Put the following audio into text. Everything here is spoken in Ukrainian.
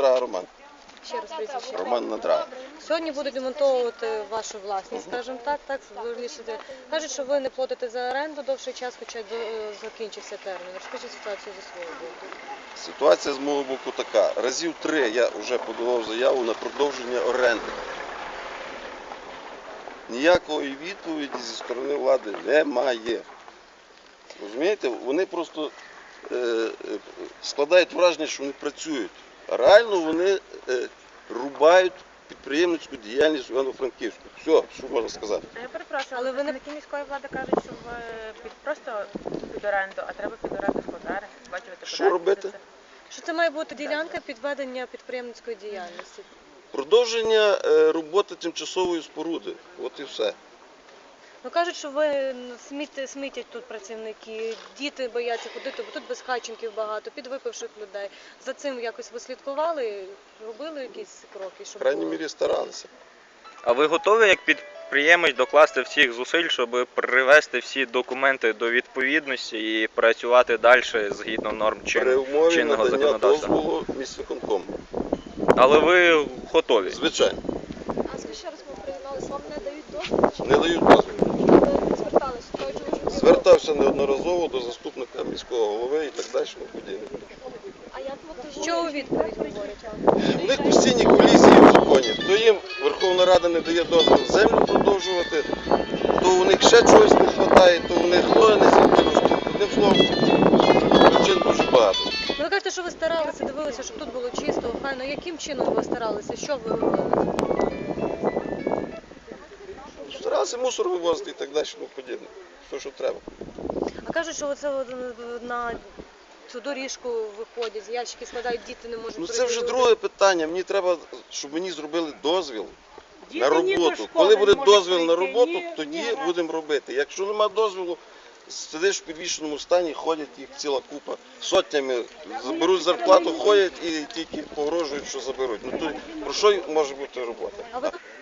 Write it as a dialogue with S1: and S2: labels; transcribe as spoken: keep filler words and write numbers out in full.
S1: Надрага Роман.
S2: Ще раз прізвище.
S1: Роман Надрага.
S2: Сьогодні будуть демонтовувати вашу власність, скажімо так, так, вирішити. Кажуть, що ви не платите за оренду довший час, хоча й до- закінчився термін. Розкажіть ситуацію зі свого боку.
S1: Ситуація з мого боку така. Разів три я вже подавав заяву на продовження оренди. Ніякої відповіді зі сторони влади немає. Розумієте, вони просто е, е, складають враження, що вони працюють. А реально вони е, рубають підприємницьку діяльність в Івано-Франківську. Все, що можна сказати.
S3: А я перепрошую,
S2: Але
S3: але
S2: ви не-
S3: представники міської влади кажуть, що ви під просто під оренду, а треба під оренду складати, сплачувати
S1: Що
S3: податки
S1: робити?
S3: за це.
S2: Що це має бути ділянка підведення підприємницької діяльності?
S1: Продовження е, роботи тимчасової споруди. От і все.
S2: Ну кажуть, що ви сміт- смітять тут працівники, діти бояться ходити, бо тут безхатченків багато, підвипивших людей. За цим якось ви слідкували, робили якісь кроки,
S1: В
S2: щоб
S1: крайній
S2: було?
S1: мірі старалися.
S4: А ви готові як підприємець докласти всіх зусиль, щоб привести всі документи до відповідності і працювати далі згідно норм
S1: При
S4: чин-
S1: умові
S4: чинного
S1: надання
S4: законодавства?
S1: дозволу міськвиконкому.
S4: Але ви готові?
S1: Звичайно.
S5: А скажіть ще раз, ми приєдналися, вам не дають дозвіл? Чи
S1: Не дають дозволу.
S5: ви зверталися? Кажуть, що ви
S1: Звертався неодноразово до заступника міського голови і так далі. подібне.
S5: А як ви
S2: Що у відповідь говорять?
S1: У них постійні колізії в законі. То їм Верховна Рада не дає дозвіл землю продовжувати, то у них ще чогось не вистачає, то у них ноги не зростуть. Одним словом, причин дуже багато.
S2: Ну, ви кажете, що ви старалися, дивилися, щоб тут було чисто, охайно. Яким чином ви старалися? Що ви робили?
S1: Старалися мусор вивозити і так далі, тому подібне. Все, що треба.
S2: А кажуть, що оце от на цю доріжку виходять, ящики складають, діти не можуть
S1: Ну це
S2: пройти.
S1: вже друге питання. Мені треба, щоб мені зробили дозвіл на
S6: Діти ні до
S1: роботу.
S6: школи
S1: Коли
S6: не
S1: буде
S6: можуть
S1: дозвіл на
S6: прийти,
S1: роботу,
S6: ні-
S1: тоді
S6: ні
S1: будемо робити. Якщо нема дозволу, сидиш в підвішеному стані, ходять їх ціла купа. Сотнями заберуть зарплату, ходять і тільки погрожують, що заберуть. Ну то про що може бути робота?
S2: А ви